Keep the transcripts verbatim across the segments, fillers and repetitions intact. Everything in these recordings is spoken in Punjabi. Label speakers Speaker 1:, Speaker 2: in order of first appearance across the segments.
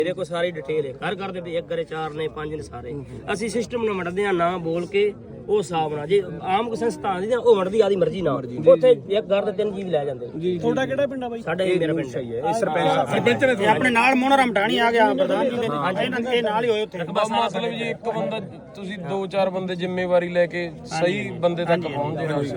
Speaker 1: मेरे को सारी डिटेल है घर घर दे एक घरे चार ने पांच ने सारे ਅਸੀਂ ਸਿਸਟਮ ਨੂੰ ਵੰਡਦੇ ਆ ਨਾ ਬੋਲ ਕੇ ਉਹ ਹਿਸਾਬ ਨਾਲ ਜੇ ਆਮ ਕੋਈ ਸੰਸਥਾ ਆਂਦੀ ਉਹ ਵੰਡਦੀ ਆਦੀ ਮਰਜ਼ੀ ਨਾਲ ਉੱਥੇ ਇੱਕ ਘਰ ਦੇ ਤਿੰਨ ਜੀਵ ਲੈ ਜਾਂਦੇ
Speaker 2: ਤੁਹਾਡਾ ਕਿਹੜਾ ਪਿੰਡ ਆ ਬਾਈ?
Speaker 1: ਸਾਡਾ ਇਹ ਮੇਰਾ ਪਿੰਡ ਹੈ
Speaker 2: ਇਹ ਸਰਪੰਚ ਸਾਹਿਬ ਸਰਪੰਚ ਨੇ ਆਪਣੇ ਨਾਲ ਮੋਹਨਰਾਮ ਢਾਣੀ ਆ ਗਿਆ ਪ੍ਰਧਾਨ ਜੀ ਦੇ ਇਹਨਾਂ ਇਹ ਨਾਲ ਹੀ ਹੋਏ ਉੱਥੇ।
Speaker 3: ਮਤਲਬ ਜੀ ਇੱਕ ਬੰਦਾ ਤੁਸੀਂ ਦੋ ਚਾਰ ਬੰਦੇ ਜ਼ਿੰਮੇਵਾਰੀ ਲੈ ਕੇ ਸਹੀ ਬੰਦੇ ਤੱਕ ਪਹੁੰਚ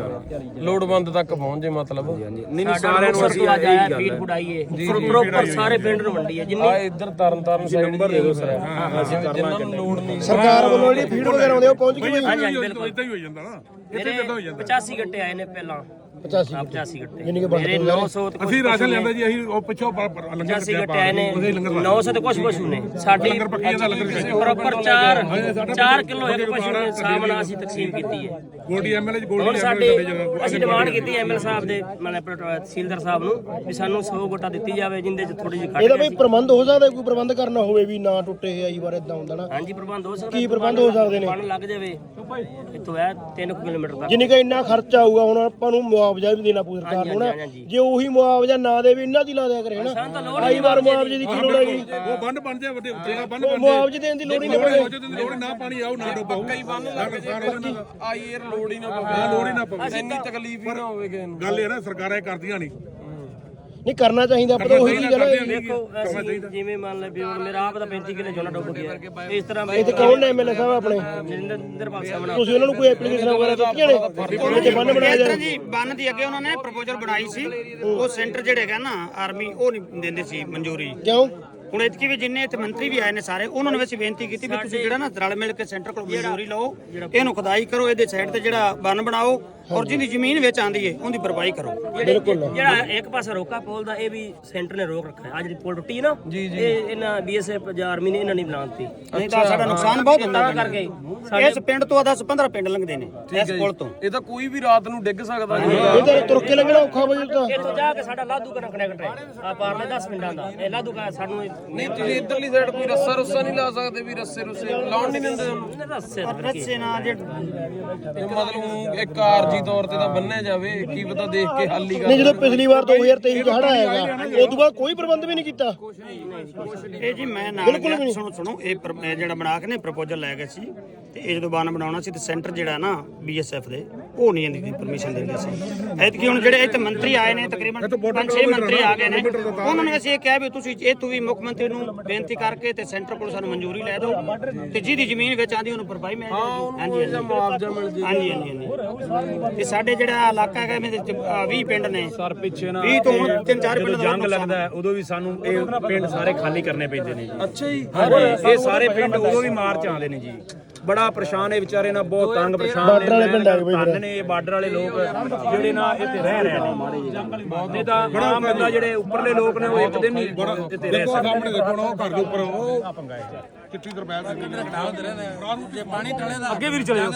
Speaker 3: ਜੇ ਲੋੜਵੰਦ ਤੱਕ ਪਹੁੰਚ ਜੇ ਮਤਲਬ
Speaker 1: ਨਹੀਂ ਨਹੀਂ ਸਾਰਿਆਂ ਨੂੰ ਅਸੀਂ ਆ ਜਾਇਆ ਫੀਡ ਫੁਡਾਈਏ ਪ੍ਰੋਪਰ ਸਾਰੇ ਪਿੰਡ ਨੂੰ ਵੰਡੀਏ ਜਿੰਨੇ
Speaker 3: ਆ ਇੱਧਰ ਤਰਨ ਤਾਰਨ ਸਾਈਡ ਨੰਬਰ ਦੇ ਦਿਓ ਸਰ ਜਿੰਨਾਂ ਨੂੰ ਲੋੜ ਨਹੀਂ
Speaker 2: ਸਰਕਾਰ ਵੱਲੋਂ ਜਿਹੜੀ ਫੀਡ ਵਗੈਰਾ ਆਉਂਦੇ ਉਹ ਪਹੁੰਚ ਗਈ
Speaker 1: ਬਿਲਕੁਲ ਇਦਾਂ ਹੀ ਹੋ ਜਾਂਦਾ ਨਾ ਮੇਰੇ ਪਚਾਸੀ ਗੱਟੇ ਆਏ ਨੇ ਪਹਿਲਾਂ
Speaker 2: ਪਚਾਸੀ
Speaker 1: ਪਚਾਸੀ ਗੱਟੇ ਮੇਰੇ ਨੌ ਸੌ ਤੇ
Speaker 4: ਅਸੀਂ ਰਾਸ਼ਨ ਲੈਂਦੇ ਜੀ ਅਸੀਂ ਉਹ ਪਿੱਛੋਂ ਲੰਗਰ
Speaker 1: ਪਚਾਸੀ ਗੱਟੇ ਆਏ ਨੇ ਨੌ ਸੌ ਤੇ ਕੁਝ ਪਸ਼ੂ ਨੇ ਸਾਡੀ ਪ੍ਰੋਪਰ ਚਾਰ ਚਾਰ ਕਿਲੋ ਇੱਕ ਪਸ਼ੂ ਦੇ ਹਿਸਾਬ ਨਾਲ ਅਸੀਂ ਤਕਸੀਮ ਕੀਤੀ ਹੈ।
Speaker 4: ਗੋਲਡੀ ਐਮਐਲਏ ਜੀ
Speaker 1: ਹੁਣ ਸਾਡੇ ਅਸੀਂ ਡਿਮਾਂਡ ਕੀਤੀ ਐਮਐਲ ਸਾਹਿਬ ਦੇ ਮਤਲਬ ਤਹਿਸੀਲਦਾਰ ਸਾਹਿਬ ਨੂੰ ਵੀ ਸਾਨੂੰ ਸੌ ਗੋਟਾ ਦਿੱਤੀ ਜਾਵੇ ਜਿੰਦੇ ਚ ਥੋੜੀ ਜਿਹੀ ਘੱਟ
Speaker 2: ਇਹਦਾ ਬਈ ਪ੍ਰਬੰਧ ਹੋ ਸਕਦਾ ਕੋਈ ਪ੍ਰਬੰਧ ਕਰਨਾ ਹੋਵੇ ਵੀ ਨਾ ਟੁੱਟੇ ਆਈ ਵਾਰ ਇਦਾਂ ਹੁੰਦਾ ਨਾ
Speaker 1: ਹਾਂਜੀ ਪ੍ਰਬੰਧ ਹੋ ਸਕਦਾ
Speaker 2: ਕੀ ਪ੍ਰਬੰਧ ਹੋ ਸਕਦੇ ਨੇ?
Speaker 1: ਪਾਣੀ ਲੱਗ ਜਾਵੇ ਇੱਥੋਂ ਹੈ ਤਿੰਨ ਕਿਲੋਮੀਟਰ ਤੱਕ
Speaker 2: ਜਿੰਨੀ ਕਿ ਇੰਨਾ ਖਰਚਾ ਆਊਗਾ ਹੁਣ ਆਪਾਂ ਨੂੰ ਮੁਆਵਜ਼ਾ ਵੀ ਦੇਣਾ ਪਊ ਸਰਕਾਰ ਨੂੰ ਨਾ ਜੇ ਉਹੀ ਮੁਆਵਜ਼ਾ ਨਾ ਦੇਵੇ ਇਹਨਾਂ ਦੀ ਲਾ ਦਿਆ ਕਰੇ ਹਨਾ ਆਈ ਵਾਰ ਮੁਆਵਜ਼ੇ ਦੀ ਕੀ ਲੋੜ ਹੈਗੀ
Speaker 4: ਉਹ ਬੰਨ ਬਣ ਜਾਏ ਵੱਡੇ ਉੱਤੇ ਦਾ ਬੰਨ ਬਣ
Speaker 2: ਮੁਆਵਜ਼ੇ ਦੇਣ ਦੀ ਲੋੜ ਹੀ ਨਹੀਂ ਪਵੇ
Speaker 4: ਲੋੜ ਨਾ ਪਾਣੀ ਆਉ ਨਾ ਡੁੱਬੋ
Speaker 3: ਕਈ ਬੰਨ ਲੱਗ ਆਈ ਏਅਰ ਲੋੜ ਹੀ ਨਾ ਪਵੇ
Speaker 4: ਲੋੜ ਹੀ ਨਾ ਪਵੇ
Speaker 3: ਇੰਨੀ ਤਕਲੀਫ ਹੀ ਨਾ ਹੋਵੇ ਕਿਸੇ ਨੂੰ।
Speaker 4: ਗੱਲ ਇਹ ਨਾ ਸਰਕਾਰਾਂ ਇਹ ਕਰਦੀਆਂ ਨਹੀਂ
Speaker 2: ਨਹੀਂ ਕਰਨਾ ਚਾਹੀਦਾ ਆਪਾਂ ਤਾਂ ਉਹੀ ਚੀਜ਼ ਹੈ ਨਾ
Speaker 1: ਦੇਖੋ ਅਸੀਂ ਜਿਵੇਂ ਮੰਨ ਲੈ ਵੀ ਹੁਣ ਮੇਰਾ ਆਪ ਦਾ ਪੈਂਤੀ ਕਿੱਲੇ ਝੋਨਾ ਡੁੱਬ ਗਿਆ ਇਸ ਤਰ੍ਹਾਂ
Speaker 2: ਇਹ ਤੇ ਕੌਣ ਨੇ ਐਮਐਲਏ ਸਾਹਿਬ ਆਪਣੇ
Speaker 1: ਨਿਰਪਾਲ ਸਾਹਿਬ ਨਾਲ
Speaker 2: ਤੁਸੀਂ ਉਹਨਾਂ ਨੂੰ ਕੋਈ ਐਪਲੀਕੇਸ਼ਨ ਵਗੈਰਾ ਦਿੱਤੀਆਂ ਨੇ ਉਹਦੇ ਬੰਨ ਬਣਾਇਆ ਜਾਏ
Speaker 5: ਜੀ ਬੰਨ ਦੀ ਅੱਗੇ ਉਹਨਾਂ ਨੇ ਪ੍ਰਪੋਜ਼ਲ ਬਣਾਈ ਸੀ ਉਹ ਸੈਂਟਰ ਜਿਹੜੇ ਹੈਗਾ ਨਾ ਆਰਮੀ ਉਹ ਨਹੀਂ ਦਿੰਦੇ ਸੀ ਮਨਜ਼ੂਰੀ।
Speaker 2: ਕਿਉਂ
Speaker 5: ਹੁਣ ਇਤਕੀ ਵੀ ਜਿੰਨੇ ਇੱਥੇ ਮੰਤਰੀ ਵੀ ਆਏ ਨੇ ਸਾਰੇ ਉਹਨਾਂ ਨੂੰ ਵੈਸੇ ਬੇਨਤੀ ਕੀਤੀ ਵੀ ਤੁਸੀਂ ਜਿਹੜਾ ਨਾ ਰਲ ਮਿਲ ਕੇ ਸੈਂਟਰ ਕੋਲ ਮਨਜ਼ੂਰੀ ਲਓ ਇਹਨੂੰ ਖੁਦਾਈ ਕਰੋ ਇਹਦੇ ਸਾਈਡ ਤੇ ਜਿਹੜਾ ਬੰਨ ਬਣਾਓ ਔਰ ਜਿਹਦੀ ਜ਼ਮੀਨ ਵਿੱਚ ਆਂਦੀ ਹੈ ਉਹਦੀ ਭਰਪਾਈ ਕਰੋ।
Speaker 2: ਬਿਲਕੁਲ
Speaker 1: ਜਿਹੜਾ ਇੱਕ ਪਾਸਾ ਰੋਕਾ ਪੋਲ ਦਾ ਇਹ ਵੀ ਸੈਂਟਰ ਨੇ ਰੋਕ ਰੱਖਿਆ ਅੱਜ ਦੀ ਪੁਲ ਟੁੱਟੀ ਨਾ ਇਹ ਇਹਨਾਂ ਬੀਐਸਐਫ ਜਾਂ ਆਰਮੀ ਨੇ ਇਹਨਾਂ ਨਹੀਂ ਬਣਾਉਂਦੀ
Speaker 5: ਨਹੀਂ ਤਾਂ ਸਾਡਾ ਨੁਕਸਾਨ ਬਹੁਤ ਹੁੰਦਾ
Speaker 1: ਕਰਕੇ
Speaker 5: ਇਸ ਪਿੰਡ ਤੋਂ ਦਸ ਪੰਦਰਾਂ ਪਿੰਡ ਲੰਘਦੇ ਨੇ ਇਸ ਪੁਲ ਤੋਂ।
Speaker 3: ਇਹ ਤਾਂ ਕੋਈ ਵੀ ਰਾਤ ਨੂੰ ਡਿੱਗ ਸਕਦਾ ਜੀ।
Speaker 2: ਇਹਦੇ ਤੁਰ ਕੇ ਲੰਘਣਾ ਔਖਾ ਹੋ ਜਾਂਦਾ
Speaker 1: ਇੱਥੋਂ ਜਾ ਕੇ ਸਾਡਾ ਲਾਧੂ ਕਨਾ ਕਨੈਕਟ ਹੈ ਆ ਪਾਰਲੇ ਦਸ ਪਿੰਡਾਂ ਦਾ ਇਹ ਲਾਧੂ ਕਾ ਸਾਨੂੰ
Speaker 3: ਨਹੀਂ ਤੁਸੀਂ ਇੱਧਰਲੀ ਸਾਈਡ ਕੋਈ ਰੱਸਾ ਰੁੱਸਾ ਨਹੀਂ ਲਾ ਸਕਦੇ ਵੀ ਰੱਸੇ ਰੁੱਸੇ ਲਾਉਣ ਨਹੀਂ ਦਿੰਦੇ ਤੁਹਾਨੂੰ।
Speaker 1: ਦੱਸੇ
Speaker 5: ਰੱਸੇ ਨਾਲ ਜੇ
Speaker 3: ਇਹ ਮਤਲਬ ਇੱਕ ਆਰਜੀ ਤੌਰ ਤੇ ਤਾਂ ਬੰਨਿਆ ਜਾਵੇ ਕੀ ਪਤਾ ਦੇਖ ਕੇ ਹੱਲ ਹੀ ਕਰ
Speaker 2: ਨਹੀਂ ਜਦੋਂ ਪਿਛਲੀ ਵਾਰ ਦੋ ਹਜ਼ਾਰ ਤੇਈ ਚ ਹੜਾ ਆਏਗਾ ਉਸ ਤੋਂ ਬਾਅਦ ਕੋਈ ਪ੍ਰਬੰਧ ਵੀ ਨਹੀਂ ਕੀਤਾ।
Speaker 5: ਇਹ ਜੀ ਮੈਂ ਨਾਲ ਗਿਆ ਸੁਣੋ ਸੁਣੋ ਇਹ ਪ੍ਰ- ਇਹ ਜਿਹੜਾ ਬਣਾ ਕੇ ਨੇ ਪ੍ਰਪੋਜ਼ਲ ਲੈ ਗਏ ਸੀ ਤੇ ਇਹ ਜਦੋਂ ਬੰਨ ਬਣਾਉਣਾ ਸੀ ਤੇ ਸੈਂਟਰ ਜਿਹੜਾ ਨਾ ਬੀਐਸਐਫ ਦੇ ਉਹ ਨਹੀਂ ਇਹਦੀ ਪਰਮਿਸ਼ਨ ਦਿੰਦੇ ਸੀ। ਐਤਕੀ ਹੁਣ ਜਿਹੜੇ ਇੱਥੇ ਮੰਤਰੀ ਆਏ ਨੇ ਤਕਰੀਬਨ ਪੰਜ ਛੇ ਮੰਤਰੀ ਆ ਗਏ ਨੇ ਉਹਨਾਂ ਨੇ ਅਸੀਂ ਇਹ ਕਿਹਾ ਵੀ ਤੁਸੀਂ ਇਹ ਤੂੰ ਵੀ ਮੁੱਖ ਮੰਤਰੀ ਨੂੰ ਬੇਨਤੀ ਕਰਕੇ ਤੇ ਸੈਂਟਰ ਕੋਲ ਸਾਨੂੰ ਮਨਜ਼ੂਰੀ ਲੈ ਦਿਓ ਤੇ ਜਿਹਦੀ ਜ਼ਮੀਨ ਵਿੱਚ ਆਂਦੀ ਉਹਨੂੰ ਭਰਪਾਈ ਮਿਲ ਜਾਏਗੀ। ਹਾਂਜੀ ਹਾਂਜੀ
Speaker 3: ਮੁਆਵਜ਼ਾ ਮਿਲ ਜੇ।
Speaker 5: ਹਾਂਜੀ ਹਾਂਜੀ ਹਾਂਜੀ ਤੇ ਸਾਡੇ ਜਿਹੜਾ ਇਲਾਕਾ ਹੈਗਾ ਇਹਦੇ ਵਿੱਚ ਵੀਹ ਪਿੰਡ ਨੇ
Speaker 6: ਸਰ ਪਿੱਛੇ ਨਾ
Speaker 5: ਵੀਹ ਤੋਂ ਹੁਣ ਤਿੰਨ ਚਾਰ ਪਿੰਡ
Speaker 6: ਜਦੋਂ
Speaker 5: ਦਾ
Speaker 6: ਜੰਗ ਲੱਗਦਾ ਹੈ ਉਦੋਂ ਵੀ ਸਾਨੂੰ ਇਹ ਪਿੰਡ ਸਾਰੇ ਖਾਲੀ ਕਰਨੇ ਪੈਂਦੇ ਨੇ ਜੀ।
Speaker 3: ਅੱਛਾ ਜੀ
Speaker 6: ਹਾਂਜੀ ਇਹ ਸਾਰੇ ਪਿੰਡ ਉਦੋਂ ਵੀ ਮਾਰਚ ਆਉਂਦੇ ਨੇ ਜੀ। ਬੜਾ ਪਰੇਸ਼ਾਨ ਇਹ ਵਿਚਾਰੇ ਨਾਲ ਬਹੁਤ ਤੰਗ ਪਰੇਸ਼ਾਨ
Speaker 2: ਬਾਰਡਰ ਵਾਲੇ ਪਿੰਡ ਆ ਗਏ ਬਈ
Speaker 6: ਧੰਨ ਨੇ ਇਹ ਬਾਰਡਰ ਵਾਲੇ ਲੋਕ ਜਿਹੜੇ ਨਾ ਇੱਥੇ ਰਹਿ ਰਹੇ ਨੇ ਮਾੜੇ ਜਿਹੇ ਨਹੀਂ ਤਾਂ ਆਮ ਬੰਦਾ ਜਿਹੜੇ ਉੱਪਰਲੇ ਲੋਕ ਨੇ ਉਹ ਇੱਕ ਦਿਨ ਹੀ ਇੱਥੇ ਰਹਿ
Speaker 4: ਦੇਖੋ
Speaker 6: ਸਕਦੇ।
Speaker 4: ਸਾਹਮਣੇ ਦੇਖੋ ਨਾ ਉਹ ਘਰ ਦੇ ਉੱਪਰ ਉਹ ਕਿੱਥੇ ਤਰਪੈਲ ਸੀ
Speaker 6: ਅੱਗੇ ਵੀ ਚਲੇ ਜਾਓ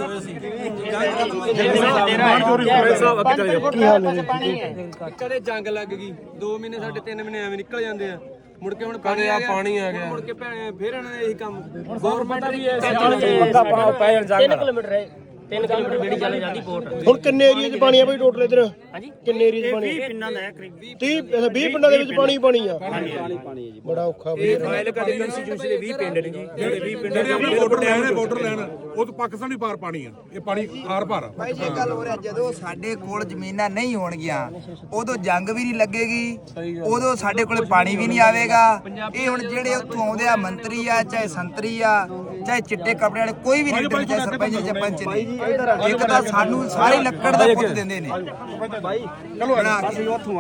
Speaker 2: ਕੀ ਹਾਲ ਹੈ
Speaker 3: ਕਦੇ ਜੰਗ ਲੱਗ ਗਈ ਦੋ ਮਹੀਨੇ ਸਾਡੇ ਤਿੰਨ ਮਹੀਨੇ ਐਵੇਂ ਨਿਕਲ ਜਾਂਦੇ ਆ ਮੁੜ ਕੇ ਹੁਣ ਪਾਣੀ ਆ ਪਾਣੀ ਆ ਗਿਆ ਮੁੜ ਕੇ ਭੈਣੇ ਫੇਰ ਇਹਨਾਂ ਨੇ ਇਹੀ ਕੰਮ ਗਵਰਨਮੈਂਟ ਵੀ
Speaker 1: ਤਿੰਨ ਕਿਲੋਮੀਟਰ ਹੈ ਤਿੰਨ ਕਿਲੋਮੀਟਰ ਬੇੜੀ ਚੱਲੇ ਜਾਂਦੀ ਕੋਟ
Speaker 2: ਹੁਣ ਕਿੰਨੇ ਏਰੀਆ 'ਚ ਪਾਣੀ ਆ ਬਈ ਟੋਟਲ ਇਧਰ
Speaker 1: ਹਾਂਜੀ
Speaker 2: ਕਿੰਨੇ ਏਰੀਆ 'ਚ ਪਾਣੀ
Speaker 5: ਵੀਹ ਪਿੰਡਾਂ ਦਾ ਹੈ ਕਰੀਬ
Speaker 2: ਤੀਹ ਵੀਹ ਪਿੰਡਾਂ ਦੇ ਵਿੱਚ ਪਾਣੀ ਪਾਣੀ ਆ ਬੜਾ ਔਖਾ ਬਈ।
Speaker 6: ਇਹ ਫਾਈਲ ਕਦੇ ਕੰਸਟੀਟਿਊਸ਼ਨ ਦੇ ਵੀਹ ਪਿੰਡ ਨੇ ਜੀ ਜਿਹੜੇ ਵੀਹ ਪਿੰਡ
Speaker 4: ਜਿਹੜੇ ਆਪਣੇ ਬਾਰਡਰ ਲੈਣ ਨੇ ਬਾਰਡਰ ਲੈਣ ਉਹ ਤਾਂ ਪਾਕਿਸਤਾਨੀ ਪਾਰ ਪਾਣੀ ਆ ਇਹ ਪਾਣੀ ਆਰ ਪਾਰ ਆ।
Speaker 7: ਭਾਈ ਜੀ ਇਹ ਗੱਲ ਹੋ ਰਿਹਾ ਜਦੋਂ ਸਾਡੇ ਕੋਲ ਜ਼ਮੀਨਾਂ ਨਹੀਂ ਹੋਣਗੀਆਂ ਉਦੋਂ ਜੰਗ ਵੀ ਨਹੀਂ ਲੱਗੇਗੀ ਉਦੋਂ ਸਾਡੇ ਕੋਲ ਪਾਣੀ ਵੀ ਨਹੀਂ ਆਵੇਗਾ। ਇਹ ਹੁਣ ਜਿਹੜੇ ਉੱਥੋਂ ਆਉਂਦੇ ਆ ਮੰਤਰੀ ਆ ਚਾਹੇ ਸੰਤਰੀ ਆ ਚਾਹੇ ਚਿੱਟੇ ਕੱਪੜੇ ਵਾਲੇ ਕੋਈ ਵੀ ਲੀਡਰ ਚਾਹੇ ਸਰਪੰਚ ਜਾਂ ਪੰਚ ਨੇ ਇੱਕ ਤਾਂ ਸਾਨੂੰ ਸਾਰੀ ਲੱਕੜ ਦਾ ਪੁੱਤ ਦਿੰਦੇ ਨੇ। ਚਲੋ